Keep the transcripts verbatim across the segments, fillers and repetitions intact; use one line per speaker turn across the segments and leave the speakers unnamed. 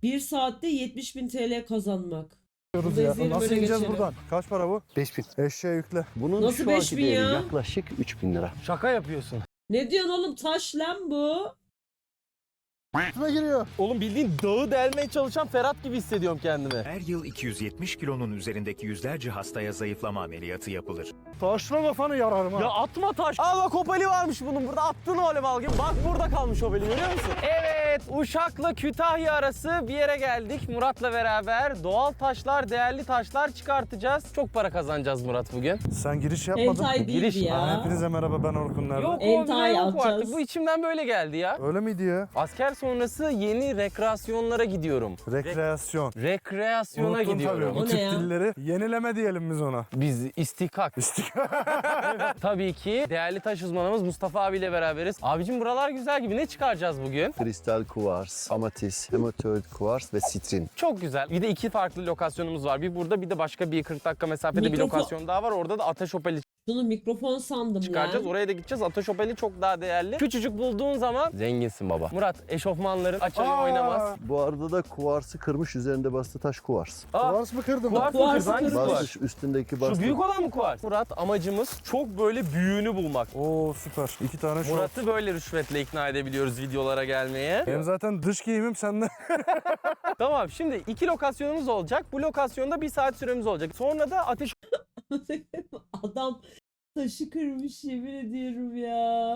Bir saatte yetmiş bin T L kazanmak.
Diyoruz
Burada
ya.
izleyelim,
Nasıl
öyle
ineceğiz
geçelim.
buradan? Kaç para bu?
beş bin.
Eşeğe yükle.
Bunun
Nasıl
şu
beş
anki
bin
değeri
ya?
yaklaşık üç bin lira.
Şaka yapıyorsun.
Ne diyorsun oğlum, taş lan bu.
Şuna giriyor.
Oğlum bildiğin dağı delmeye çalışan Ferhat gibi hissediyorum kendimi.
Her yıl iki yüz yetmiş kilonun üzerindeki yüzlerce hastaya zayıflama ameliyatı yapılır.
Taşla kafanı yararım ha.
Ya atma taş. Aa bak Opel'i varmış bunun burada. Attın öyle bal gibi. Bak burada kalmış Opel'i, görüyor musun? Evet, Uşak'la Kütahya arası bir yere geldik. Murat'la beraber doğal taşlar, değerli taşlar çıkartacağız. Çok para kazanacağız Murat bugün.
Sen giriş yapmadın.
Entay değildi
Giriş-
ya.
Hepinize merhaba, ben Orkun, nerede?
Yok o
Entay
bile yok
alacağız.
artık. Bu içimden böyle geldi ya.
Öyle miydi ya?
Asker sonrası yeni rekreasyonlara gidiyorum.
Rekreasyon.
Rekreasyona
Unuttun
gidiyorum.
tabii.
O
Bu
ne
tip
ya?
dilleri yenileme diyelim biz ona.
Biz istikak. Tabii ki değerli taş uzmanımız Mustafa abiyle beraberiz. Abicim buralar güzel gibi. Ne çıkaracağız bugün?
Kristal kuvars, amatis, hematoid kuvars ve sitrin.
Çok güzel. Bir de iki farklı lokasyonumuz var. Bir burada, bir de başka bir kırk dakika mesafede bir
Mikrofon-
lokasyon daha var. Orada da Ateş Opel'i
Şunu mikrofon sandım
çıkaracağız.
lan.
Oraya da gideceğiz. Ateş Opel'i çok daha değerli. Küçücük bulduğun zaman zenginsin baba. Murat, eşofmanların açarı
Aa!
oynamaz.
Bu arada da kuvarsı kırmış, üzerinde bastı taş kuvars.
Aa,
Kuvars mı kırdın?
kuvars mı
Kuvars
kız? Hangisi
kırmış.
kuvars?
Basmış üstündeki
Şu
bastı.
büyük olan mı kuvars? Murat, amacımız çok böyle büyüğünü bulmak.
Oo süper. İki tane şu.
Murat'ı böyle rüşvetle ikna edebiliyoruz videolara gelmeye.
Benim zaten dış giyimim sende.
Tamam, şimdi iki lokasyonumuz olacak. Bu lokasyonda bir saat süremiz olacak. Sonra da Ateş
Adam taşı kırmış, yemin ediyorum ya.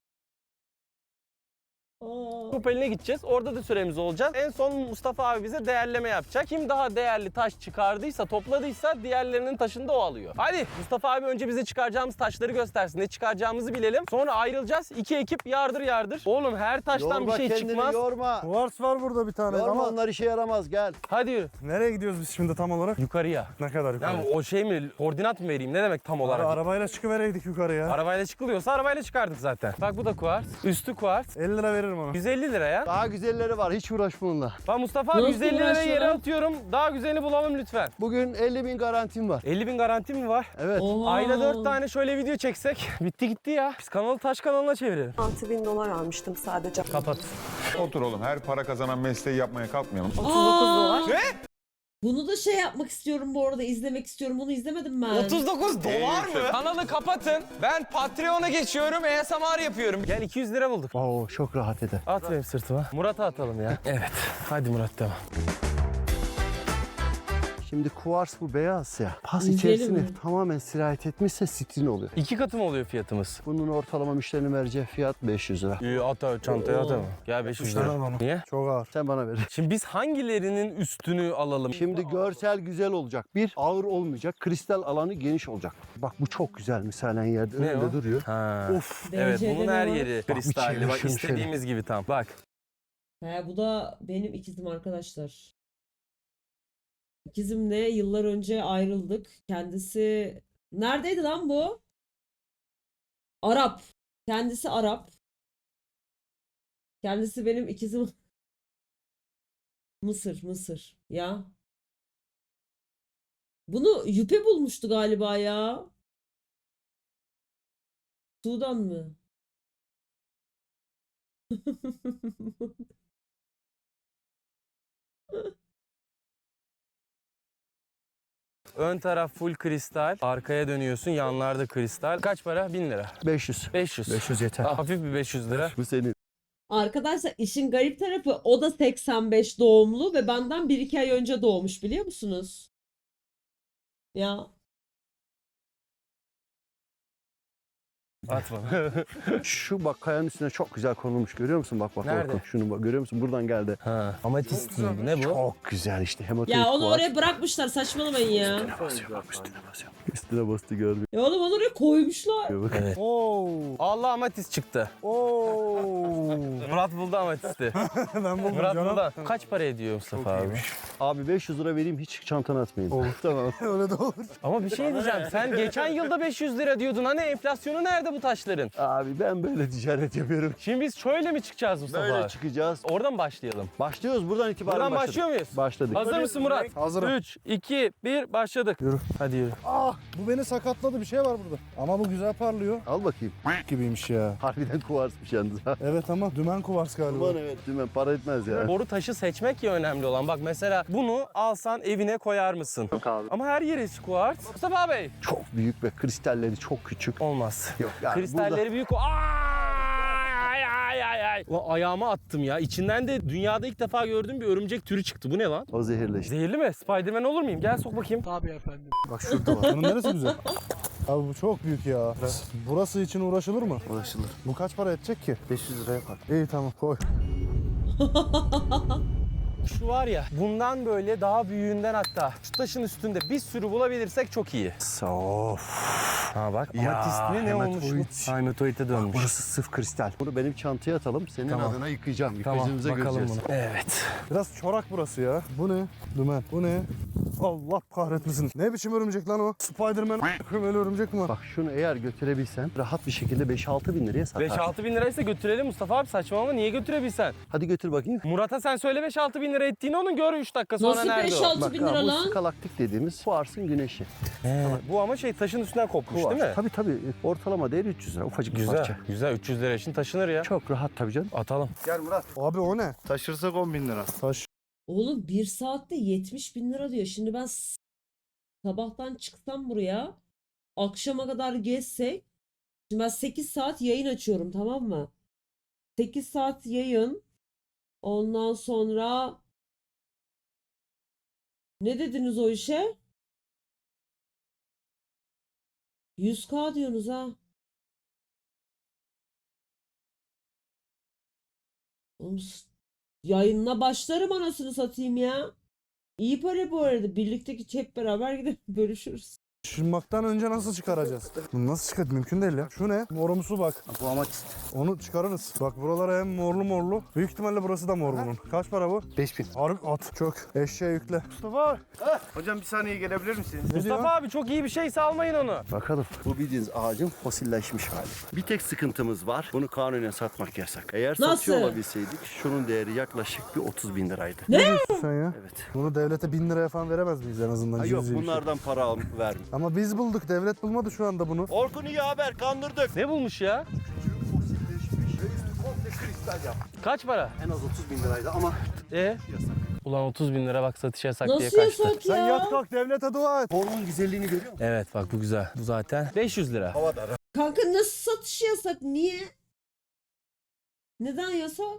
Aa.
Opel'ine gideceğiz. Orada da süremiz olacak. En son Mustafa abi bize değerleme yapacak. Kim daha değerli taş çıkardıysa, topladıysa diğerlerinin taşını da o alıyor. Hadi Mustafa abi önce bize çıkaracağımız taşları göstersin. Ne çıkaracağımızı bilelim. Sonra ayrılacağız. İki ekip yardır yardır. Oğlum her taştan
Yorma
bir şey
kendini,
çıkmaz.
yorma.
Kuvars var burada bir tane
Yorma,
ama
onlar işe yaramaz, gel.
Hadi yürü.
nereye gidiyoruz biz şimdi tam olarak?
Yukarıya.
Ne kadar yukarı?
Ya o şey mi? Koordinat mı vereyim? Ne demek tam olarak?
Ara, arabayla çıkıvereydik yukarıya.
Arabayla çıkılıyorsa arabayla çıkardık zaten. Bak bu da kuvars. Üstü kuvars.
elli lira veririm ona.
yüz elli lira ya.
Daha güzelleri var, hiç uğraşma onunla.
Ben Mustafa abi
Nasıl
yüz elli lira
uğraşıyor
yere
lan?
atıyorum. Daha güzelini bulalım lütfen.
Bugün elli bin garantim var.
elli bin garanti mi var?
Evet.
Oha.
Ayda dört tane şöyle video çeksek bitti gitti ya. Biz kanalı taş kanalına çevirelim.
altı bin dolar almıştım sadece.
Kapat.
Otur oğlum, her para kazanan mesleği yapmaya kalkmayalım.
otuz dokuz dolar.
Bunu da şey yapmak istiyorum bu arada, izlemek istiyorum. Bunu izlemedim ben.
otuz dokuz dolar mı? Kanalı kapatın. Ben Patreon'a geçiyorum. A S M R yapıyorum. Gel iki yüz lira bulduk.
Oo, çok rahat eder.
At benim sırtıma. Murat'a atalım ya. Evet. Hadi Murat devam.
Şimdi kuvars bu beyaz ya. Pas
İzleyelim
içerisine
mi?
tamamen sirayet etmişse sitrin oluyor.
İki katı mı oluyor fiyatımız?
Bunun ortalama müşterinin vereceği fiyat beş yüz lira.
İyi at abi, çantaya at ama. Gel beş yüz
Müşteri
lira.
al onu.
Niye?
Çok ağır.
Sen bana ver.
Şimdi biz hangilerinin üstünü alalım?
Şimdi görsel güzel olacak. Bir, ağır olmayacak. Kristal alanı geniş olacak. Bak bu çok güzel misalen yerde.
Ne
Önünde
o?
duruyor.
Ha.
Of.
Evet,
Dereceli
bunun her
mi var?
yeri
bir
kristalli.
çevir
Bak
şunu şöyle.
istediğimiz gibi tam. Bak.
He, bu da benim ikizim arkadaşlar. İkizimle yıllar önce ayrıldık. Kendisi neredeydi lan bu? Arap. Kendisi Arap. Kendisi benim ikizim. Mısır, Mısır. Ya. Bunu Yüpe bulmuştu galiba ya. Sudan mı?
Ön taraf full kristal. Arkaya dönüyorsun. Yanlarda kristal. Kaç para? bin lira.
beş yüz.
beş yüz.
beş yüz yeter.
Ha, hafif bir beş yüz lira.
Bu senin.
Arkadaşlar işin garip tarafı, o da seksen beş doğumlu ve benden bir iki ay önce doğmuş, biliyor musunuz? Ya
Atma.
Şu bak kayanın üstüne çok güzel konulmuş. Görüyor musun? Bak bak.
Nerede?
Orkun. Şunu bak. Görüyor musun? Buradan geldi.
Ha. Amatist mi? Ne bu?
Çok güzel işte. Hematoid
ya onu
kuvars.
oraya bırakmışlar, saçmalamayın ya.
Üstüne basıyor bak, üstüne basıyor. Üstüne bastı görmüyor.
Ya oğlum onu oraya koymuşlar.
Bak.
Evet.
Oo.
Allah amatist çıktı.
Oo.
Murat buldu amatisti.
Ben buldum
Murat
canım.
buldu. Kaç para ediyor Mustafa abi?
Abi beş yüz lira vereyim, hiç çantana atmayayım.
Olur.
Tamam.
Öyle de olur.
Ama bir şey diyeceğim. Sen geçen yılda beş yüz lira diyordun. Hani enflasyonu nerede bu taşların?
Abi ben böyle ticaret yapıyorum.
Şimdi biz şöyle mi çıkacağız Mustafa
Böyle
abi?
çıkacağız.
Oradan başlayalım.
Başlıyoruz buradan itibaren
Buradan
başladık.
başlıyor muyuz?
Başladık.
Hazır mısın Murat?
Hazırım.
üç, iki, bir başladık.
Yürü.
Hadi yürü.
Ah, bu beni sakatladı, bir şey var burada. Ama bu güzel parlıyor.
Al bakayım.
Gibiymiş ya.
Harbiden kuvarsmış yalnız ha.
Evet ama dümen kuvars galiba.
Aman evet dümen para etmez ya.
Boru taşı seçmek ya önemli olan. Bak mesela bunu alsan evine koyar mısın?
Yok abi.
Ama her yeri kuart. Mustafa Bey.
Çok büyük ve kristalleri çok küçük.
Olmaz.
Yok yani
Kristalleri büyük o. Ay ay ay ay. Ulan ayağıma attım ya. İçinden de dünyada ilk defa gördüğüm bir örümcek türü çıktı. Bu ne lan?
burada o zehirli işte.
Zehirli mi? Spiderman olur muyum? Gel sok bakayım.
Bak şurada var. Bunun neresi güzel? Abi bu çok büyük ya. Burası için uğraşılır mı?
Ulaşılır.
Bu kaç para edecek ki?
beş yüz lira yapar.
İyi tamam koy.
Şu var ya, bundan böyle daha büyüğünden hatta şu taşın üstünde bir sürü bulabilirsek çok iyi.
Of.
Ha bak,
Ya,
amatist mi ne olmuş
hematoid.
bu? Hematoid'e dönmüş.
Burası sıf kristal. Bunu benim çantaya atalım. Senin
Tamam.
adına yıkayacağım.
Tamam,
Yıkayıcımıza
bakalım
göreceğiz.
bunu. Evet.
Biraz çorak burası ya. Bu ne? Dümen. Bu ne? Allah kahretmesin. Ne biçim örümcek lan o? Spiderman öyle örümcek mi var?
Bak şunu eğer götürebilsen rahat bir şekilde beş altı bin liraya satarsın.
beş altı bin liraysa götürelim Mustafa abi, saçmalama, niye götürebilsen?
Hadi götür bakayım.
Murat'a sen söyle beş altı bin lira ettiğini, onun gör üç dakika sonra
Nasıl
nerede
beş
o?
altı
Bak
bin
ha,
lira
bu
lan?
skalaktik dediğimiz kuarsın güneşi.
He, bu ama şey taşın üstünden kopmuş
Kuars.
değil mi?
Tabii tabii. Ortalama değeri üç yüz lira. Ufacık bir
Güzel,
parça.
güzel. üç yüz lira için taşınır ya.
Çok rahat tabii canım.
Atalım.
Gel Murat. Abi o ne?
Taşırsak on bin lira.
Taş.
Oğlum bir saatte yetmiş bin lira diyor. Şimdi ben s- sabahtan çıksam buraya, akşama kadar gezsek. Şimdi ben sekiz saat yayın açıyorum, tamam mı? sekiz saat yayın. Ondan sonra ne dediniz o işe? yüz K diyorsunuz ha. Oğlum, s- yayınına başlarım anasını satayım ya. İyi para bu arada. Birlikteki hep beraber gidip bölüşürüz.
Taşınmaktan önce nasıl çıkaracağız? Bunu nasıl çıkart? Mümkün değil ya. Şu ne? Morumsu bak.
Bu amatist.
Onu çıkarırız. Bak buralara hem morlu morlu. Büyük ihtimalle burası da mor bunun. Kaç para bu?
beş bin.
Harbi at. Çok. Eşeğe yükle. Mustafa.
Hocam bir saniye gelebilir misiniz?
Ne diyor?
Mustafa abi çok iyi bir şeyse almayın onu.
Bakalım. Bu bildiğiniz ağacın fosilleşmiş hali. Bir tek sıkıntımız var. Bunu kanunen satmak yasak. Eğer
Nasıl?
satıyor olabilseydik şunun değeri yaklaşık bir otuz bin liraydı.
Ne diyorsun sen ya?
Evet.
Bunu devlete bin liraya falan veremez miyiz en azından?
Ha, yok
cüzi bir şey.
bunlardan para al verme.
Ama biz bulduk. Devlet bulmadı şu anda bunu.
Orkun iyi haber, kandırdık.
Ne bulmuş ya? Kaç para?
En az otuz bin liraydı ama
E? Ulan otuz bin lira bak satış yasak diye
Nasıl
kaçtı.
yasak
Sen
ya?
yat kalk devlete dua et.
formun güzelliğini görüyor musun?
Evet bak bu güzel. Bu zaten beş yüz lira.
Kanka nasıl satış yasak? Niye? Neden yasak?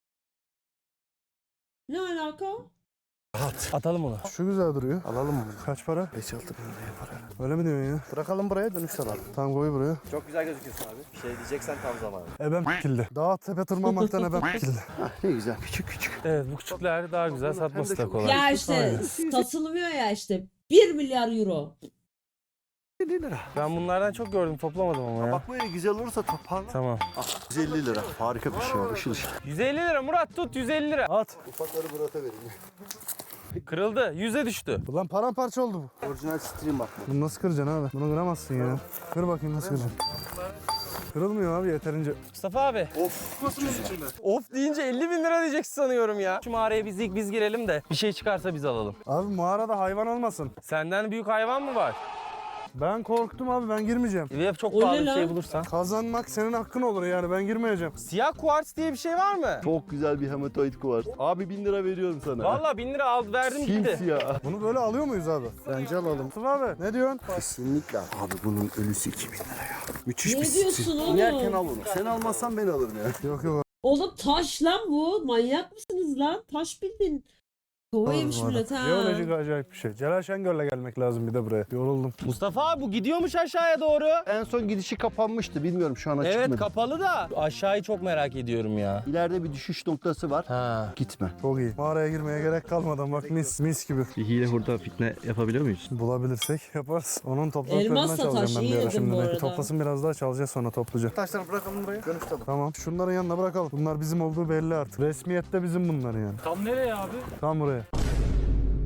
Ne alaka?
Atalım onu.
Şu güzel duruyor.
Alalım mı?
Kaç para?
beş altı bin lira yapar.
Öyle mi diyorsun ya?
Bırakalım buraya, dönüşte alalım.
Tamam koy buraya.
Çok güzel gözüküyorsun abi. Bir şey diyeceksen tam zamanı.
Ebem kildi. Dağ tepe tırmanmaktan ebem kildi.
Hah, ne güzel küçük küçük.
Evet bu küçükler daha güzel, satması da kolay.
Ya işte satılmıyor ya işte. bir milyar euro.
elli lira.
Ben bunlardan çok gördüm, toplamadım ama ya.
Bak böyle güzel olursa toparla.
Tamam.
Ah, yüz elli lira. Harika bir şey o. Işıl ışıl.
yüz elli lira Murat, tut yüz elli lira.
At.
Ufakları Murat'a vereyim.
Kırıldı, yüze düştü.
Ulan paramparça oldu bu.
Orijinal stream bak bu.
Bunu nasıl kıracaksın abi? Bunu kıramazsın ya. Kır bakayım nasıl kıracaksın. Kırılmıyor abi yeterince.
Mustafa abi.
Of. Nasıl içinde?
Of deyince elli bin lira diyeceksin sanıyorum ya. Şu mağaraya biz ilk biz girelim de bir şey çıkarsa biz alalım.
Abi mağarada hayvan olmasın.
Senden büyük hayvan mı var?
Ben korktum abi ben girmeyeceğim.
Ya çok
O ne
pahalı bir
lan?
şey bulursan.
Kazanmak senin hakkın olur yani ben girmeyeceğim.
Siyah kuarts diye bir şey var mı?
Çok güzel bir hematoid kuvars. Abi bin lira veriyorum sana.
Vallahi bin lira aldı, verdim gitti.
Simsiyah.
Bunu böyle alıyor muyuz abi?
Bence alalım.
Mustafa abi ne diyorsun?
Kesinlikle. Abi bunun ölüsü iki bin lira ya. Müthiş
Ne
bir
diyorsun
stil.
oğlum?
İnerken al onu. Sen almazsan ben alırım ya.
Yok yok.
Oğlum taş lan bu. Manyak mısınız lan? Taş bildin. Kova yemiş millet ha.
Jeolojik acayip bir şey. Celal Şengör'le gelmek lazım bir de buraya. Yoruldum.
Mustafa abi bu gidiyormuş aşağıya doğru.
En son gidişi kapanmıştı. Bilmiyorum şu an açık
Evet
mı?
kapalı da. Aşağıyı çok merak ediyorum ya.
İleride bir düşüş noktası var.
Ha.
Gitme.
Çok iyi. Mağaraya girmeye gerek kalmadan bak mis mis gibi.
Bir hile hurda fitne yapabiliyor muyuz?
Bulabilirsek yaparız. Onun topraklarından
Elmasla taş,
çalacağım ben
iyi
bir ara
dedim
şimdi.
bu
Belki
arada.
toplasın biraz daha çalacağız sonra topluca.
Taşları bırakalım buraya, dönüşte alalım.
Tamam. Şunların yanına bırakalım. Bunlar bizim olduğu belli artık. Resmiyette bizim bunlar yani.
Tam nereye abi?
Tam buraya.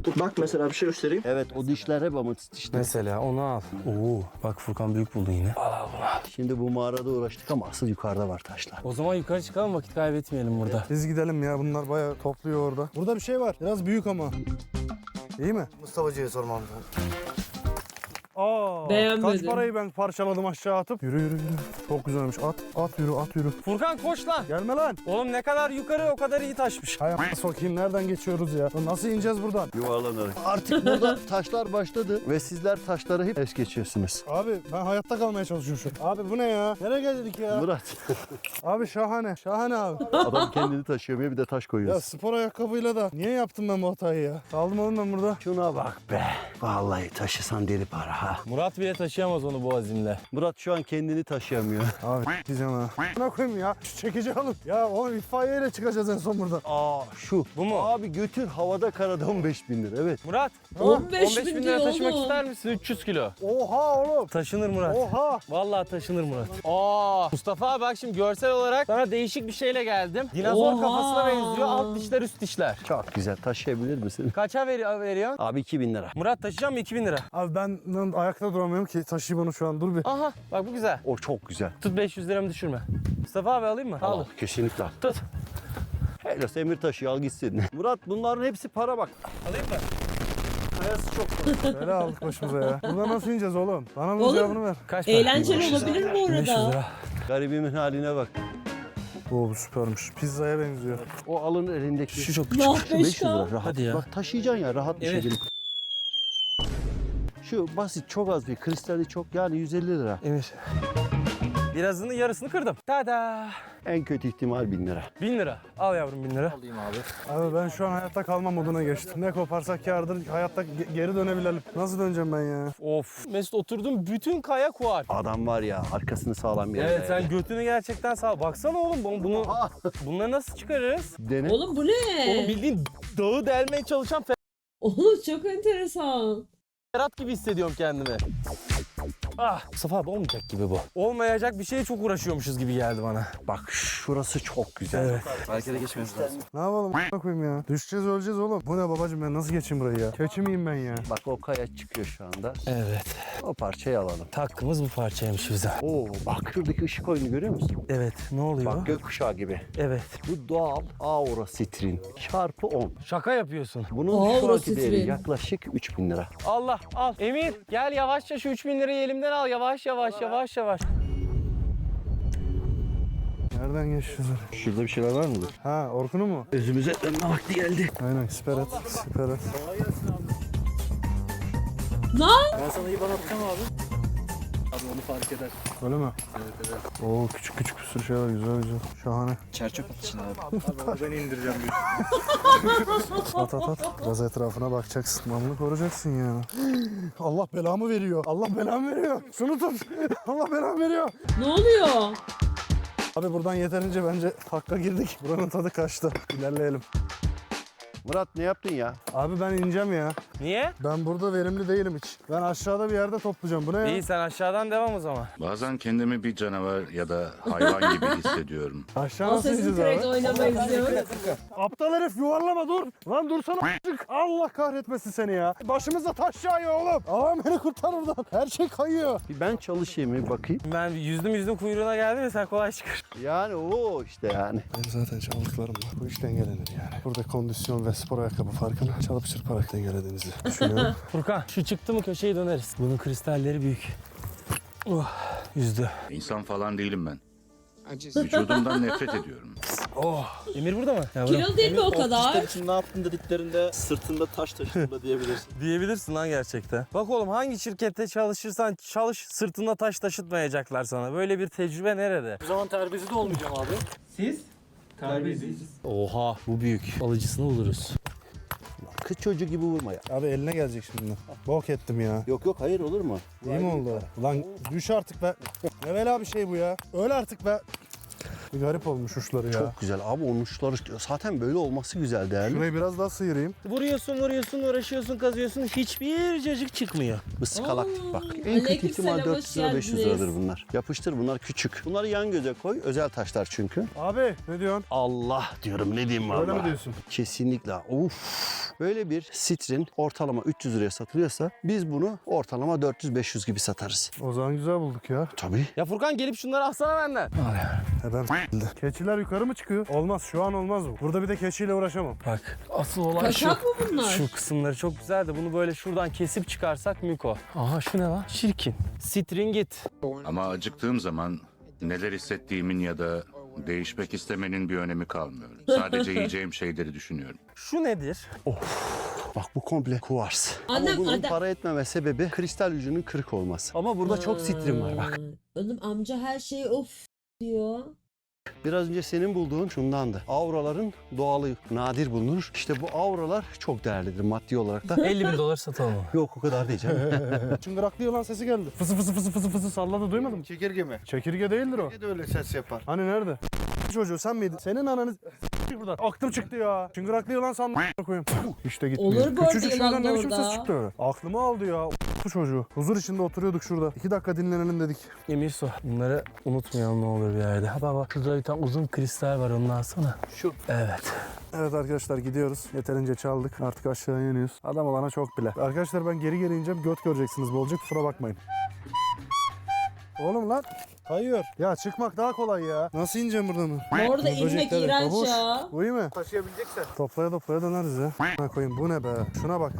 Bak mesela bir şey göstereyim.
Evet o dişler hep amatist dişler.
Mesela onu al. Oo, bak Furkan büyük buldun yine. Al al bunu al.
Şimdi bu mağarada uğraştık ama asıl yukarıda var taşlar.
O zaman yukarı çıkalım, vakit kaybetmeyelim burada.
Biz gidelim ya, bunlar bayağı topluyor orada. Burada bir şey var. Biraz büyük ama. İyi mi?
Mustafa'cıya sormam lazım.
Aa,
Beğenmedim.
kaç parayı ben parçaladım aşağı atıp. Yürü yürü yürü. Çok güzelmiş. At at yürü at yürü.
Furkan koş lan.
Gelme lan.
Oğlum ne kadar yukarı o kadar iyi taşmış.
Hay a- sokayım, nereden geçiyoruz ya? Lan nasıl ineceğiz buradan?
Yuvarlanarak. Artık burada taşlar başladı ve sizler taşları hep es geçiyorsunuz.
Abi ben hayatta kalmaya çalışıyorum şu an. Abi bu ne ya? Nereye geldik ya?
Murat,
Abi şahane. Şahane abi.
adam kendini taşıyamıyor bir de taş
Ya
koyuyor.
spor ayakkabıyla da niye yaptım ben bu hatayı ya? Kaldım oğlum ben burada.
Şuna bak be. Vallahi taşısan deli para ha.
Murat bile taşıyamaz onu bu azimle.
Murat şu an kendini taşıyamıyor.
Abi diyeceğim ha. Ne koyayım ya? Şu çekici alın. Ya oğlum itfaiyeyle çıkacağız en son buradan.
Aa şu.
Bu mu?
Abi götür havada karada on beş bin lira. Evet.
Murat,
on beş
on beş bin lira taşımak ister misin? üç yüz kilo.
Oha oğlum.
Taşınır Murat.
Oha.
Vallahi taşınır Murat. Aa, Mustafa abi bak şimdi görsel olarak sana değişik bir şeyle geldim. Dinozor
Oha.
kafasına benziyor. Alt dişler, üst dişler.
Çok güzel. Taşıyabilir misin?
Kaça veri veriyorsun?
Abi iki bin lira.
Murat taşıyacağım mı iki bin lira?
Abi ben lan ayakta duramıyorum ki. Taşıyayım onu şu an. Dur bir.
Aha bak bu güzel.
O çok güzel.
Tut beş yüz liramı düşürme. Mustafa abi alayım mı? Al.
Al. Kesinlikle.
Tut.
Hele Emir taşı al gitsin. Murat bunların hepsi para bak.
Alayım mı?
Kayası çok.
Böyle aldık başımıza ya. Buradan nasıl ineceğiz oğlum? Bana bunun
Oğlum.
cevabını ver.
Kaç para?
Eğlenceli olabilir mi
beş yüz
orada?
lira.
Garibimin haline bak.
Oo bu süpermiş. Pizzaya benziyor.
O alın elindeki.
Şu çok
Nah
Şu beş yüz lira
beş K.
rahat.
Hadi ya.
Bak taşıyacaksın ya rahat bir
Evet.
şekilde. Şu basit çok az bir kristali çok yani yüz elli lira.
Emir. Birazını yarısını kırdım. Tada.
En kötü ihtimal bin lira.
Bin lira. Al yavrum bin lira.
Alayım abi.
Abi ben şu an hayatta kalma moduna geçtim. Ne koparsak kârdır. Hayatta ge- geri dönebilelim. Nasıl döneceğim ben ya?
Of. Mesut oturdum bütün kaya kuar.
Adam var ya arkasını sağlam yere.
Evet sen götünü gerçekten sağ. Baksana oğlum bunu, bunu bunları nasıl çıkarırız?
Dene.
Oğlum bu ne?
Oğlum bildiğin dağı delmeye çalışan
Oğlum çok enteresan.
Ferhat gibi hissediyorum kendimi. Ah, Mustafa abi olmayacak gibi bu. Olmayacak bir şeye çok uğraşıyormuşuz gibi geldi bana.
Bak şurası çok güzel.
Evet.
Harekete geçmemiz lazım.
Ne yapalım a**ına koyayım ya? Düşeceğiz öleceğiz oğlum. Bu ne babacığım, ben nasıl geçeyim burayı ya? Keçi miyim ben ya?
Bak o kaya çıkıyor şu anda.
Evet.
O parçayı alalım.
Hakkımız bu parçaymış bize.
Oo bak şuradaki ışık oyunu görüyor musun?
Evet. Ne oluyor?
Bak gökkuşağı gibi.
Evet.
Bu doğal aura sitrin çarpı on.
Şaka yapıyorsun.
Bunun
Aura
şu anki değeri
sitrin.
yaklaşık üç bin lira.
Allah al. Emir gel yavaşça şu üç bin lirayı elimden al. Yavaş yavaş yavaş yavaş.
Nereden geçeceğiz?
Şurada bir şeyler var mıdır?
Ha Orkun'u mu?
Özümüze dönme vakti geldi.
Aynen siper et. Siper et.
Ben sana iyi bana atacağım abi. Abi onu fark eder.
Öyle mi?
Evet evet.
Oo küçük küçük bir sürü şey var. Güzel güzel. Şahane.
Çerçöp atışın abi. Abi onu ben indireceğim.
At at at. Biraz etrafına bakacaksın. Mamını koruyacaksın yani. Allah belamı veriyor. Allah belamı veriyor. Şunu tut. Allah belamı veriyor.
Ne oluyor?
Abi buradan yeterince bence hakka girdik. Buranın tadı kaçtı. İlerleyelim.
Murat ne yaptın ya?
Abi ben ineceğim ya.
Niye?
Ben burada verimli değilim hiç. Ben aşağıda bir yerde toplayacağım. Bu ne ya?
İyi sen aşağıdan devam o zaman.
Bazen kendimi bir canavar ya da hayvan gibi hissediyorum.
Aşağı nasıl
Assassin's
ineceğiz
Creed
abi?
oynamayı izliyorum.
Aptal herif yuvarlama dur. Lan dursana a**cık. Allah kahretmesin seni ya. Başımıza taş yağıyor oğlum. Allah'ım beni kurtar oradan. Her şey kayıyor.
Bir ben çalışayım bir bakayım.
Ben yüzdüm yüzdüm kuyruğuna geldim ya sen kolay çıkar.
Yani o işte yani.
Benim zaten çaldıklarımla bu iş dengelenir yani. Burada kondisyon ve spor ayakkabı farkını çalıp çırparak dengelediğinizi düşünüyorum.
Furkan şu çıktı mı köşeyi döneriz. Bunun kristalleri büyük. Oh, yüzdü.
İnsan falan değilim ben. Vücudumdan nefret ediyorum.
Oh. Emir burada mı? Ya
Kilo değil mi o kadar?
için ne yaptın dediklerinde sırtında taş taşıdığında diyebilirsin.
Diyebilirsin lan gerçekten. Bak oğlum hangi şirkette çalışırsan çalış sırtında taş taşıtmayacaklar sana. Böyle bir tecrübe nerede?
O zaman terbiyesi de olmayacağım abi. Siz? Terbiyesiz.
Oha bu büyük. Alıcısını buluruz.
Kız çocuğu gibi vurma ya.
Abi eline gelecek şimdi. Bok ettim ya.
Yok yok hayır olur mu?
İyi mi oldu? Lan düş artık be. Ne bela bir şey bu ya. Öl artık be. Bir garip olmuş uçları ya.
Çok güzel abi, onun uçları zaten böyle olması güzel, değerli.
Şurayı biraz daha sıyırayım.
Vuruyorsun vuruyorsun uğraşıyorsun kazıyorsun hiçbir cacık çıkmıyor.
Iskalak
Aa,
bak. En kötü
aleyküm
ihtimal
selam,
dört yüz lira
hoş
beş yüz
geldiniz.
liradır bunlar. Yapıştır, bunlar küçük. Bunları yan göze koy. Özel taşlar çünkü.
Abi ne diyorsun?
Allah diyorum, ne diyeyim valla.
Öyle mi diyorsun?
Kesinlikle. Of. Böyle bir sitrin ortalama üç yüz liraya satılıyorsa biz bunu ortalama dört yüz beş yüz gibi satarız.
O zaman güzel bulduk ya.
Tabii.
Ya Furkan gelip şunları alsana benden.
Neden s**tildi? Keçiler yukarı mı çıkıyor? Olmaz, şu an olmaz bu. Burada bir de keçiyle uğraşamam.
Bak asıl olay şu.
Kaçak mı bunlar?
Şu kısımları çok güzel de bunu böyle şuradan kesip çıkarsak miko. Aha şu ne lan? Çirkin. Stringit.
Ama acıktığım zaman neler hissettiğimin ya da değişmek istemenin bir önemi kalmıyor. Sadece yiyeceğim şeyleri düşünüyorum.
Şu nedir?
Bak bu komple kuvars.
Annem,
Ama bunun
annem-
para etmeme sebebi kristal ucunun kırık olması. Ama burada çok sitrin var bak.
Aa, Oğlum amca her şeyi of diyor.
Biraz önce senin bulduğun şundandı. Auraların doğalı nadir bulunur. İşte bu auralar çok değerlidir maddi olarak da.
elli bin dolar satalım mı?
Yok o kadar değil canım.
Çıngıraklı yılan sesi geldi. Fısı fısı fısı fısı fısı salladı, duymadın mı?
Çekirge mi?
Çekirge değildir o.
Ne de öyle ses yapar.
Hani nerede? Çocuğu sen miydin? Senin ananı s**tik buradan. Aklım çıktı ya. Çıngıraklı yılan sandım koyayım. İşte gitmiyor.
Olur bu arada
Küçücük
yılan
şeyden
da
ne biçim
orada.
ses çıktı öyle. Aklımı aldı ya. Bu çocuğu. Huzur içinde oturuyorduk şurada. İki dakika dinlenelim dedik.
Emir su. Bunları unutmayalım ne olur bir yerde. Ha bak bak şurada bir tane uzun kristal var, onu alsana. Şu. Evet.
Evet arkadaşlar, gidiyoruz. Yeterince çaldık. Artık aşağıya iniyoruz. Adam olana çok bile. Arkadaşlar ben geri geri ineceğim. Göt göreceksiniz bolca. Kusura bakmayın. Oğlum lan. Kayıyor. Ya çıkmak daha kolay ya. Nasıl ineceğim buradan mı?
Bu arada
Bu
inmek
böcekler-
iğrenç
Babuş,
ya.
Bu iyi mi?
Taşıyabileceksen.
Toplaya toplaya döneriz ya. Ha koyayım, bu ne be? Şuna bak.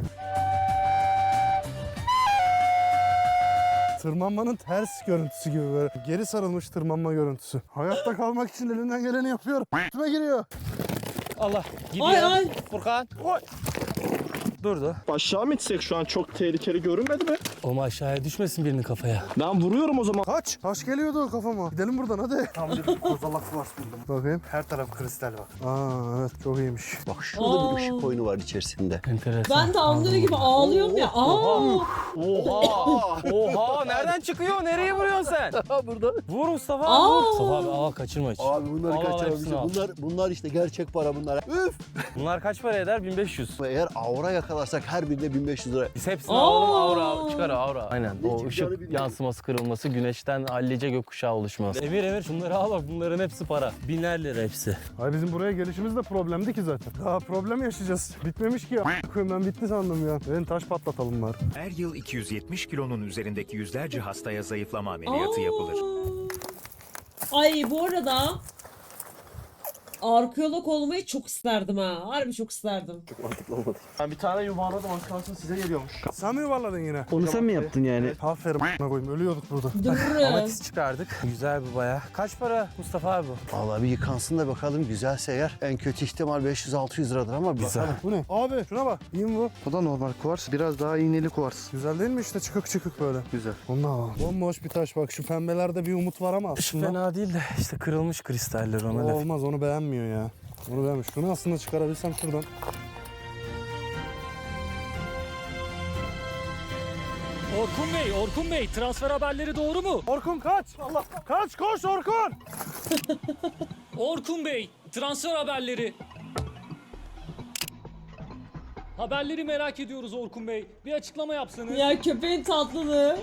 Tırmanmanın ters görüntüsü gibi böyle. Geri sarılmış tırmanma görüntüsü. Hayatta kalmak için elimden geleni yapıyorum. Üstüme giriyor.
Allah. Gidiyor.
Ay ay.
Furkan. Oy. Durdu.
Aşağı mı itsek şu an çok tehlikeli görünmedi mi?
Oğlum aşağıya düşmesin birinin kafaya.
Ben vuruyorum o zaman.
Kaç. Taş geliyordu kafama. Gidelim buradan hadi.
Tam bir kozalak var buldum.
Bakayım.
Her taraf kristal var.
Aa evet, çok iyiymiş.
Bak şurada
Aa.
bir ışık oyunu var içerisinde.
Enteresan.
Ben de anlıyor gibi ağlıyorum ya. Aa.
Oha! Oha! Nereden çıkıyor? Nereye vuruyorsun sen?
Burada.
Vur Mustafa abi.
Aa!
Vur. Mustafa abi al kaçırma hiç.
Abi bunları
Al, al, hepsini
kaçıramayacağım.
al.
Bunlar, bunlar işte gerçek para bunlar. Üf.
Bunlar kaç para eder? bin beş yüz.
Eğer aura yakalarsak her birine bin beş yüz lira.
Biz hepsini
Aa!
alalım, aura çıkar aura. Aynen. O
çıkacağını
ışık
bilmiyorum.
yansıması kırılması, güneşten hallice gökkuşağı oluşması. Emir Emir şunları al bak, bunların hepsi para. Biner lira hepsi.
Hayır, bizim buraya gelişimiz de problemdi ki zaten. Daha problem yaşayacağız. Bitmemiş ki ya. Koyayım, ben bitti sandım ya. Ben taş patlatalım var.
Her yıl iki yüz yetmiş kilonun üzerindeki yüzlerce hastaya zayıflama ameliyatı yapılır.
Ay bu arada arkeolog olmayı çok isterdim ha. Harbi çok isterdim.
Ben bir tane yuvarladım, az kalsın size geliyormuş.
Sen mi yuvarladın yine?
Onu sen mi yaptın yani?
Aferin a**ına koyayım. Ölüyorduk burada.
Durun.
Amatist çıkardık. Güzel bir baya. Kaç para Mustafa abi bu?
Vallahi bir yıkansın da bakalım, güzelse eğer en kötü ihtimal beş yüz altı yüz liradır ama bir bakalım.
Bu ne? Abi şuna bak. İyi mi bu?
O da normal kuvars. Biraz daha iğneli kuvars.
Güzel değil mi işte, çıkık çıkık böyle.
Güzel.
Onu alalım. Bomboş bir taş bak. Şu pembelerde bir umut var ama
Şu
aslında.
fena değil de işte kırılmış kristaller
O
ona laf.
olmaz, onu beğenmiyor ya. Onu beğenmiş. Şunu aslında çıkarabilsem şuradan.
Orkun Bey, Orkun Bey transfer haberleri doğru mu?
Orkun kaç! Allah! Kaç, koş Orkun!
Orkun Bey, transfer haberleri. Haberleri merak ediyoruz Orkun Bey. Bir açıklama yapsanız.
Ya köpeğin tatlılığı.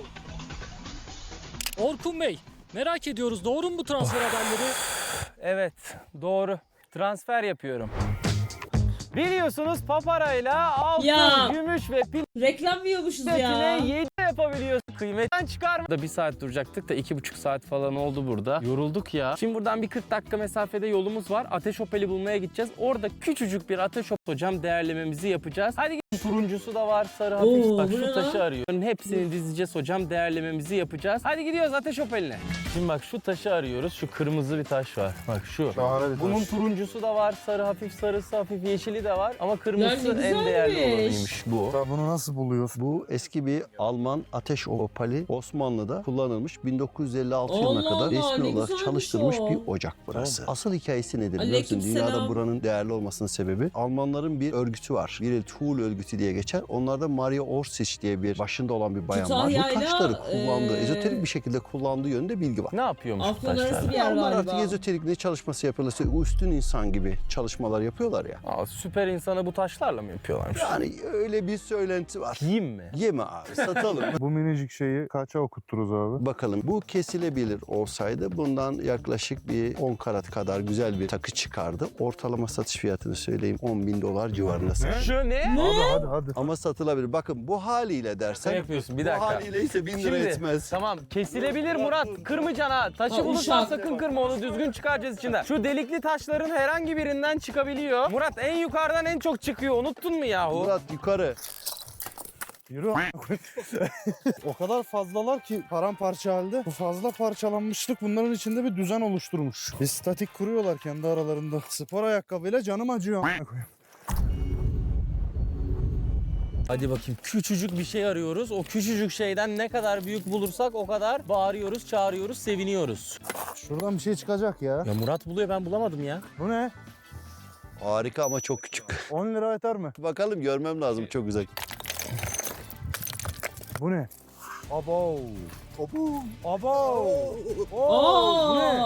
Orkun Bey, merak ediyoruz doğru mu bu transfer haberleri?
Evet, doğru. Transfer yapıyorum. Biliyorsunuz paparayla altın,
Ya.
gümüş ve
Reklam yiyormuşuz ya.
platine yedi yapabiliyorsun. Kıymetten çıkarma. Da bir saat duracaktık da iki buçuk saat falan oldu burada. Yorulduk ya. Şimdi buradan bir kırk dakika mesafede yolumuz var. Ateş Opel'i bulmaya gideceğiz. Orada küçücük bir Ateş Opel hocam değerlememizi yapacağız. Hadi gel. Turuncusu da var, sarı hafif.
Oo,
Bak
bu
şu
ne
taşı
lan?
arıyor. Hepsini dizeceğiz hocam, değerlememizi yapacağız. Hadi gidiyoruz Ateş Opel'ine. Şimdi bak şu taşı arıyoruz. Şu kırmızı bir taş var. Bak şu.
Şahane bir
Bunun
taş.
turuncusu da var, sarı hafif, sarısı hafif, yeşili de var. Ama kırmızısı
Ya ne
en değerli
güzelmiş.
olanıymış bu.
Bunu nasıl buluyorsun?
Bu eski bir Alman ateş opali, Osmanlı'da kullanılmış, bin dokuz yüz elli altı
Allah
yılına kadar
Allah, ne
resmi olarak
güzelmiş
çalıştırılmış
o.
bir ocak burası. Asıl hikayesi nedir biliyorsun?
Aleykümselam.
Dünyada buranın değerli olmasının sebebi Almanların bir örgütü var. Bir Tuğul örgütü örgütü diye geçer. Onlarda Maria Orsic diye bir başında olan bir bayan var. Bu
Kütahya'yla,
taşları kullandığı,
eee,
ezoterik bir şekilde kullandığı yönünde bilgi var.
Ne yapıyormuş bu
Afyon arası
taşlar?
bir yer
Onlar
galiba.
artık ezoterik ne çalışması yapıyorlar? İşte üstün insan gibi çalışmalar yapıyorlar ya.
Aa, süper insanı bu taşlarla mı yapıyorlarmış?
Yani öyle bir söylenti var.
Yiyeyim mi?
Yeme abi, satalım.
Bu minicik şeyi kaça okutturuz abi?
Bakalım bu kesilebilir olsaydı bundan yaklaşık bir on karat kadar güzel bir takı çıkardı. Ortalama satış fiyatını söyleyeyim on bin dolar civarında satılır.
Şu ne?
Abi hadi hadi.
Ama satılabilir. Bakın bu haliyle dersen
Ne yapıyorsun? Bir
bu
dakika.
haliyle ise bin lira
Şimdi,
etmez.
Tamam kesilebilir Murat. Kırmayacaksın ha. Taşı
Ha,
bulursan
uşak.
sakın kırma, onu düzgün çıkaracağız içinden. Şu delikli taşların herhangi birinden çıkabiliyor. Murat en yukarıdan en çok çıkıyor. Unuttun mu yahu?
Murat yukarı.
Yürü a**. O kadar fazlalar ki paramparça halde. Bu fazla parçalanmışlık bunların içinde bir düzen oluşturmuş. Bir statik kuruyorlar kendi aralarında. Spor ayakkabıyla canım acıyor a**.
Hadi bakayım, küçücük bir şey arıyoruz. O küçücük şeyden ne kadar büyük bulursak o kadar bağırıyoruz, çağırıyoruz, seviniyoruz.
Şuradan bir şey çıkacak ya.
Ya Murat buluyor, ben bulamadım ya.
Bu ne?
Harika ama çok küçük.
on lira yeter mi?
Bakalım, görmem lazım, çok güzel.
Bu ne? Abo. Abo. Abo.
Aa!
Bu ne?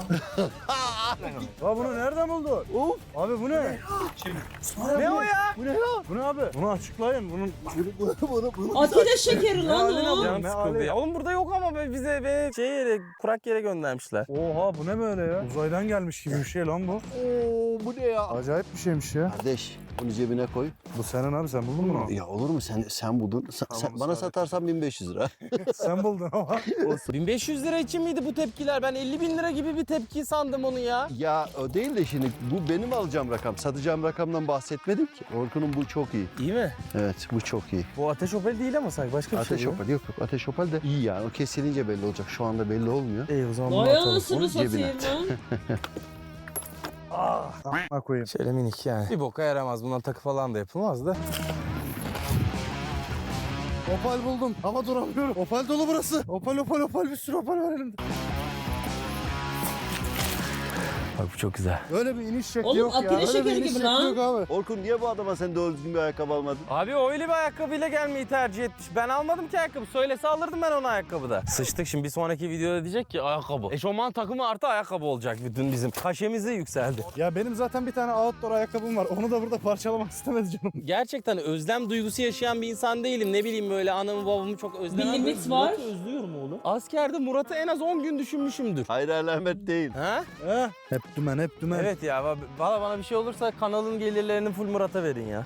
Ya bunu nereden buldun? Of. Abi bu ne?
Ne o ya?
Bu ne ya? Bu ne abi? Bunu açıklayın. Bunun
Atilla şekeri lan
haline
o.
bak.
Canım
Ne
sıkıldı
hali?
ya. Oğlum burada yok ama be- bize be şey yere, kurak yere göndermişler.
Oha bu ne böyle ya? Uzaydan gelmiş gibi bir şey lan bu.
Oo, bu ne ya?
Acayip bir şeymiş ya.
Kardeş, bunu cebine koy.
Bu senin abi, sen buldun mu?
Ya olur mu, sen sen buldun. Sen,
Tamam,
sen- bana
ısrar
satarsan bin beş yüz lira.
Sen buldun ama.
bin beş yüz lira için miydi bu tepkiler? Ben elli bin lira gibi bir tepki sandım onu ya.
Ya o değil de şimdi bu benim alacağım rakam. Satacağım rakamdan bahsetmedim ki. Orkun'un bu çok iyi.
İyi mi?
Evet, bu çok iyi.
Bu ateş opel değil ama sanki başka bir
Ateş
şey bu.
Opel yok yok. Ateş Opel de iyi yani. O kesilince belli olacak. Şu anda belli olmuyor.
İyi o zaman bunu
Vay
atalım.
anasını
Onu cebine
satayım lan.
A**ına koyayım.
Şöyle minik yani. Bir boka yaramaz. Bundan takı falan da yapılmaz da.
Opal buldum. Ama duramıyorum. Opal dolu burası. Opal opal opal, bir sürü opal var elimde.
Bak bu çok güzel.
Öyle bir iniş şekli
Oğlum,
yok ya.
Atilla
Öyle bir
şekeri
iniş
gibi
şekli
lan.
yok abi.
Orkun, niye bu adama sen doğru düzgün bir ayakkabı almadın?
Abi o öyle bir ayakkabıyla gelmeyi tercih etmiş. Ben almadım ki ayakkabı. Söylese alırdım ben onu ayakkabıda. Sıçtık şimdi, bir sonraki videoda diyecek ki ayakkabı. Eşofman takımı artı ayakkabı olacak bütün bizim. Kaşemiz de yükseldi.
Ya benim zaten bir tane outdoor ayakkabım var. Onu da burada parçalamak istemedi canım.
Gerçekten özlem duygusu yaşayan bir insan değilim. Ne bileyim böyle anamı babamı çok özlemem.
Bir limit
Murat'ı
var.
özlüyorum oğlum. Askerde Murat'ı en az on gün düşünmüşümdür.
Hayır, alamet değil.
Ha?
He? Hep dümen, hep dümen.
Evet ya, va- valla bana bir şey olursa kanalın gelirlerini full Murat'a verin ya.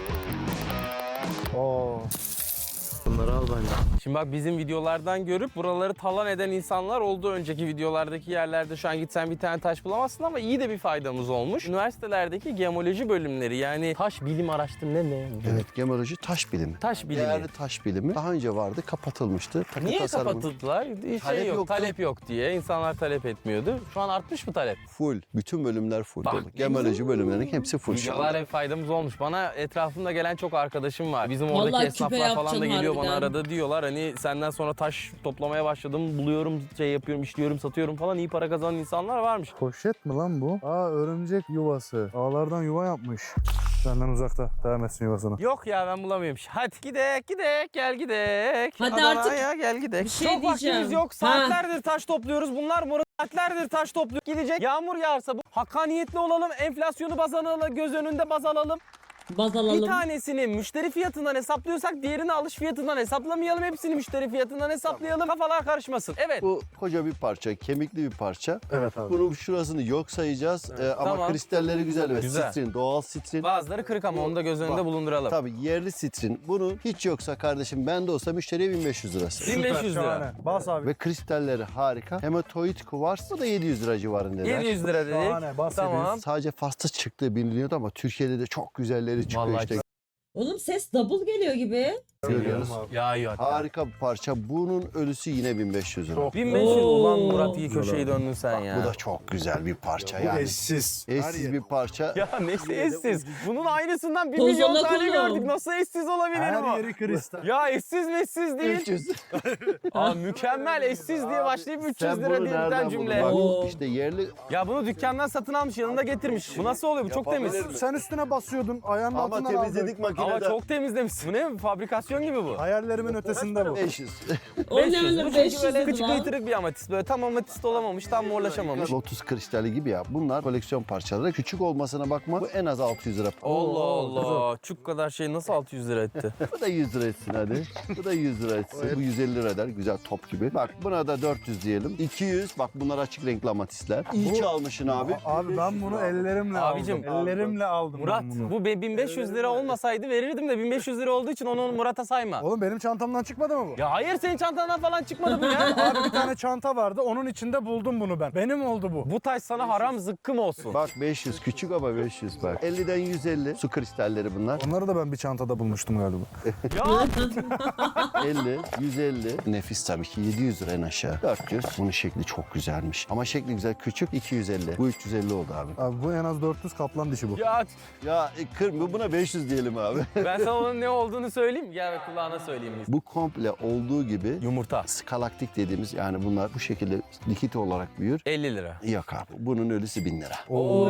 Oo.
Bunları al bence.
Şimdi bak, bizim videolardan görüp buraları talan eden insanlar oldu. Önceki videolardaki yerlerde şu an gitsen bir tane taş bulamazsın ama iyi de bir faydamız olmuş. Üniversitelerdeki gemoloji bölümleri, yani taş bilim araştırma ne ne?
Evet, gemoloji taş bilimi.
Taş bilimi.
Değerli taş bilimi. Daha önce vardı, kapatılmıştı. Takı
Niye
tasarımı
kapatıldılar? Şey
Talep
yok,
yoktu.
talep yok diye. İnsanlar talep etmiyordu. Şu an artmış mı talep?
Full. Bütün bölümler full
Bak.
dolu. Gemoloji bölümlerinin hepsi full şu
Videolar
anda.
hep faydamız olmuş. Bana etrafımda gelen çok arkadaşım var. Bizim oradaki
Vallahi küpe
esnaflar falan da
yapacaksın
geliyor bana
harbiden.
arada, diyorlar hani senden sonra taş toplamaya başladım, buluyorum, şey yapıyorum, işliyorum, satıyorum falan, iyi para kazanan insanlar varmış.
Poşet mi lan bu? Aa, örümcek yuvası. Ağlardan yuva yapmış. Senden uzakta. Devam etsin yuvasına.
Yok ya, ben bulamıyorum. Hadi gidek gidek gel gidek.
Hadi
Adana'ya
artık
gel gidek.
bir şey
Çok vaktimiz
diyeceğim.
yok.
Ha.
Saatlerdir taş topluyoruz. Bunlar Murat saatlerdir taş topluyor. Gidecek. Yağmur yağarsa bu. Hakkaniyetli olalım. Enflasyonu baz alalım. Göz önünde baz alalım.
baz
Bir
alalım.
tanesini müşteri fiyatından hesaplıyorsak diğerini alış fiyatından hesaplamayalım. Hepsini müşteri fiyatından hesaplayalım. Kafalar karışmasın. Evet.
Bu koca bir parça, kemikli bir parça.
Evet abi.
Bunun şurasını yok sayacağız. Ee, ama
Tamam.
kristalleri güzel ve
Güzel.
sitrin, doğal sitrin.
Bazıları kırık ama onu da göz önünde
Bak,
bulunduralım.
Tabii yerli sitrin. Bunu hiç yoksa kardeşim, bende olsa müşteriye bin beş yüz lirası.
bin beş yüz lira.
Şahane. Bas abi.
Ve kristalleri harika. Hematoid kuvars, bu da yedi yüz lira civarında.
yedi yüz lira dedik.
Şahane, bahsediyoruz.
Tamam.
Sadece fasta çıktığı biliniyordu ama Türkiye'de de çok güzelleri çıkıyor
Vallahi
işte.
Oğlum ses double geliyor gibi.
Görüyoruz.
Ya iyi hatta.
Harika bir parça. Bunun ölüsü yine bin beş yüz lira.
bin beş yüz ulan
Oo.
Murat iyi köşeyi döndün sen ya.
Bu da çok güzel bir parça
Bu
yani.
eşsiz. Her
Eşsiz
yer-
bir parça.
Ya nesi eşsiz? Bunun aynısından bir
Tozuna
milyon tane
kulum.
gördük. Nasıl eşsiz olabilir
Her
bu?
yeri kristal.
Ya eşsiz meşsiz değil.
üç yüz.
Aa, mükemmel eşsiz diye başlayıp üç yüz
Sen
lira
bunu
diye
nereden
biten
buldun?
cümle.
Bak,
Oo.
işte yerli
Ya bunu dükkandan satın almış yanında getirmiş. Bu nasıl oluyor? Bu çok temiz.
Sen üstüne basıyordun. Ayağının
ama
altından
temizledik
aldın.
Ama
makinede.
çok temizlemişsin. Bu ne? Fabrikasyon gibi bu.
Hayallerimin ötesinde bu.
beş yüz.
O ne
beş yüz.
öyle
Bu
beş
çünkü
yüz
böyle
dedi
kıçı
lan.
kıytırık bir amatist. Böyle tam amatist olamamış, tam morlaşamamış.
Lotus kristali gibi ya. Bunlar koleksiyon parçaları. Küçük olmasına bakma. Bu en az altı yüz lira.
Allah Allah. Çuk kadar şey nasıl altı yüz lira etti?
Bu da yüz lira etsin hadi. Bu da yüz lira etsin. Bu yüz elli lira eder. Güzel top gibi. Bak buna da dört yüz diyelim. iki yüz. Bak bunlar açık renkli amatistler. İyi çalmışsın abi.
Abi ben bunu ellerimle
Abicim,
aldım. Ellerimle aldım
Murat
ben bunu.
bu be- bin beş yüz lira olmasaydı verirdim de bin beş yüz lira olduğu için onu Murat'a sayma.
Oğlum benim çantamdan çıkmadı mı bu?
Ya hayır senin çantandan falan çıkmadı bu ya.
Abi bir tane çanta vardı. Onun içinde buldum bunu ben. Benim oldu bu.
Bu taş sana haram zıkkım olsun.
Bak beş yüz küçük ama beş yüz bak. elliden yüz elli su kristalleri bunlar.
Onları da ben bir çantada bulmuştum galiba.
Ya
elli, yüz elli. Nefis tabii ki yedi yüz lira en aşağı. dört yüz. Bunun şekli çok güzelmiş. Ama şekli güzel küçük iki yüz elli. Bu üç yüz elli oldu abi.
Abi bu en az dört yüz kaplan dişi bu.
ya
Ya e, kır, buna beş yüz diyelim abi.
ben sana onun ne olduğunu söyleyeyim. Gel ve kulağına söyleyeyim.
Bu komple olduğu gibi
Yumurta.
skalaktik dediğimiz yani bunlar bu şekilde likit olarak büyür.
elli lira.
Yok abi. Bunun ölüsü bin lira.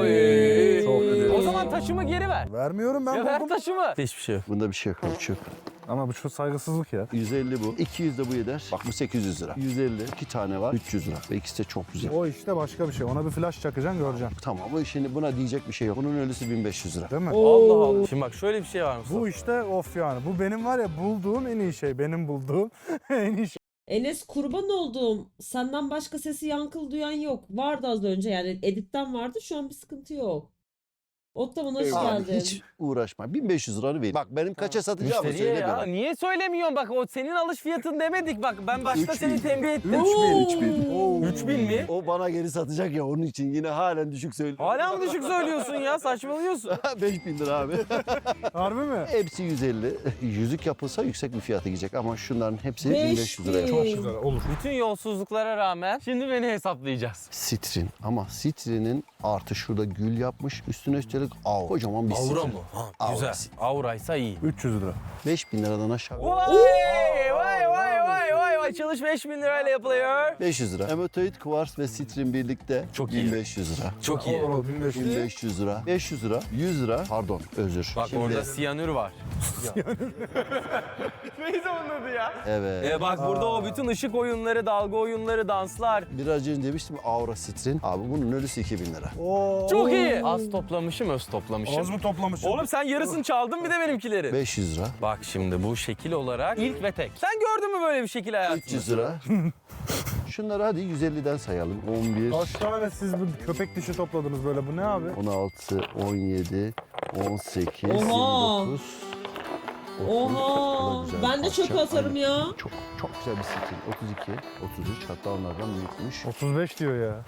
Oy.
Çok güzel.
O zaman taşımı geri ver.
Vermiyorum ben
Ya ver
buldum.
taşımı. Hiçbir şey yok.
Bunda bir şey yok. Ölçü.
Ama bu çok saygısızlık ya.
yüz elli bu. iki yüz de bu eder. Bak bu sekiz yüz lira. yüz elli. iki tane var. üç yüz lira. Ve ikisi de çok güzel.
O işte başka bir şey. Ona bir flash çakacaksın göreceksin.
Tamam ama şimdi buna diyecek bir şey yok. Bunun ölüsü bin beş yüz lira.
Değil mi?
Allah Allah. Şimdi bak şöyle bir şey var Mustafa.
Bu işte of yani. Bu benim var ya bulduğum en iyi şey. Benim bulduğum en iyi şey.
Enes kurban olduğum senden başka sesi yankıl duyan yok. Vardı az önce yani editten vardı şu an bir sıkıntı yok. Ottaman hoş
Abi
geldin.
hiç uğraşma. bin beş yüz liranı ver. Bak benim kaça satacağımı
Müşteriye
söyle
ya.
bana.
Niye söylemiyorsun? Bak o senin alış fiyatın demedik. Bak ben başta
Üç
seni
bin.
tembih ettim.
üç bin, üç bin.
üç bin mi?
O bana geri satacak ya onun için yine halen düşük söylüyor.
Hala mı düşük söylüyorsun ya? Saçmalıyorsun.
beş bin lira abi.
Harbi mi?
Hepsi yüz elli. Yüzük yapılsa yüksek bir fiyata gidecek ama şunların hepsi bin beş yüz liraya.
Beş bin.
Güzel olur.
Bütün yolsuzluklara rağmen şimdi beni hesaplayacağız.
Sitrin ama sitrinin artı şurada gül yapmış. Üstüne üstelik av. Kocaman bir sitrin.
Aura mı? Ha,
Aura.
güzel. Auraysa iyi.
üç yüz lira.
beş bin liradan aşağı.
Vay vay vay vay vay vay. Çalış beş bin lirayla yapılıyor.
beş yüz lira. Hematoid, kuvars ve sitrin birlikte
Çok iyi.
bin beş yüz lira.
Çok iyi.
bin beş yüz lira. beş yüz lira. yüz lira. Pardon özür.
Bak
Şimdi-
orada siyanür var. Neydi onun adı ya?
Evet.
E bak burada o bütün ışık oyunları, dalga oyunları, danslar.
Biraz önce demiştim aura sitrin. Abi bunun ölüsü iki bin lira.
Oo.
Çok iyi. Az toplamışım, öz toplamışım.
Az mı toplamışsın?
Oğlum sen yarısını çaldın bir de benimkileri.
beş yüz lira.
Bak şimdi bu şekil olarak ilk ve tek. Sen gördün mü böyle bir şekil hayatında?
üç yüz lira. Şunları hadi yüz elliden sayalım. on bir,
Kaç tane siz bu köpek dişi topladınız böyle? Bu ne abi?
on altı, on yedi, on sekiz,
Oha.
yirmi dokuz.
Oha. Ben de çöpe atarım ya.
Çok çok güzel bir stil. otuz iki, otuz üç hatta onlardan büyükmüş.
otuz beş diyor ya.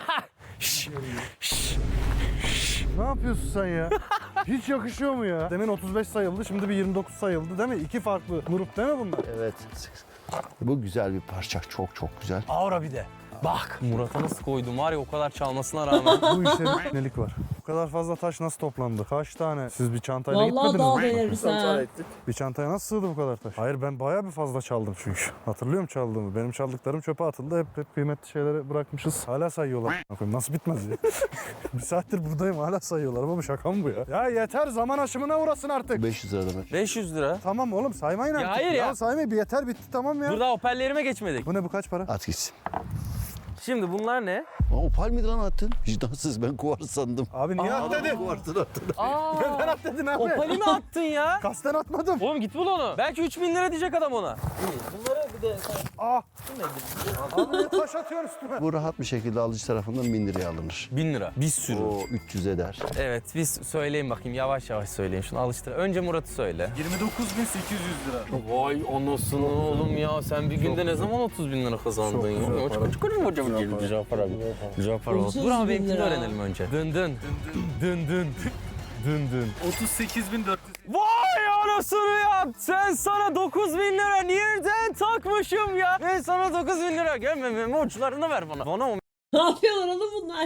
Ne yapıyorsun sen ya? Hiç yakışıyor mu ya? Demin otuz beş sayıldı, şimdi bir yirmi dokuz sayıldı değil mi? İki farklı grup değil mi bunlar?
Evet. Bu güzel bir parça. Çok çok güzel.
Aura bir de. Bak Murat'a nasıl koydum var ya o kadar çalmasına rağmen.
Bu işte bir nelik var. Bu kadar fazla taş nasıl toplandı? Kaç tane? Siz bir çantayla
Vallahi
gitmediniz
dağ
mi?
deneriz ha.
Bir çantaya nasıl sığdı bu kadar taş? Hayır ben bayağı bir fazla çaldım çünkü. Hatırlıyorum çaldığımı. Benim çaldıklarım çöpe atıldı. Hep, hep kıymetli şeyleri bırakmışız. Hala sayıyorlar. Nasıl bitmez ya? Bir saattir buradayım hala sayıyorlar ama bu şaka mı bu ya? Ya yeter zaman aşımına uğrasın artık.
beş yüz lira demek.
beş yüz lira.
Tamam oğlum saymayın artık.
hayır ya.
saymayın bir yeter bitti tamam ya.
Dur daha hoparlörlerime geçmedik.
Bu ne bu kaç para?
At gitsin.
Şimdi bunlar ne?
Aa, opal miydi lan attın? Vicdansız ben kuvars sandım.
Abi niye at dedin?
Kuvarsını attın.
Aa,
Neden at dedin abi?
opali mi attın ya?
Kasten atmadım.
Oğlum git bul onu. Belki üç bin lira diyecek adam ona.
Ah. Abi niye taş atıyorsun üstüme?
Bu rahat bir şekilde alıcı tarafından bin liraya alınır.
bin lira. Bir sürü.
O üç yüz eder.
Evet biz söyleyin bakayım yavaş yavaş söyleyin şunu alıştır. Önce Murat'ı söyle.
yirmi dokuz bin sekiz yüz lira.
Vay anasını oğlum ya sen bir günde ne zaman otuz bin lira kazandın ya?
güzel para.
Çıkarım hocam güzel para. Güzel para.
otuz
Dur ama
bin
benimkini
lira.
öğrenelim önce. Dın dın. Dın dın. Dın dın.
otuz sekiz bin dört yüz.
Vay anasını ya. Sen sana dokuz bin lira nereden takmışım ya? Ben sana dokuz bin lira. Gel meme uçlarını ver bana. Bana o
Ne yapıyorlar oğlum bunlar?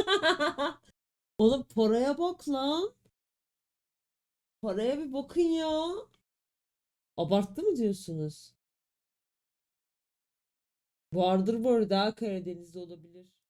Oğlum paraya bak lan. Paraya bir bakın ya. Abarttı mı diyorsunuz? Vardır bu arada, Karadeniz'de olabilir.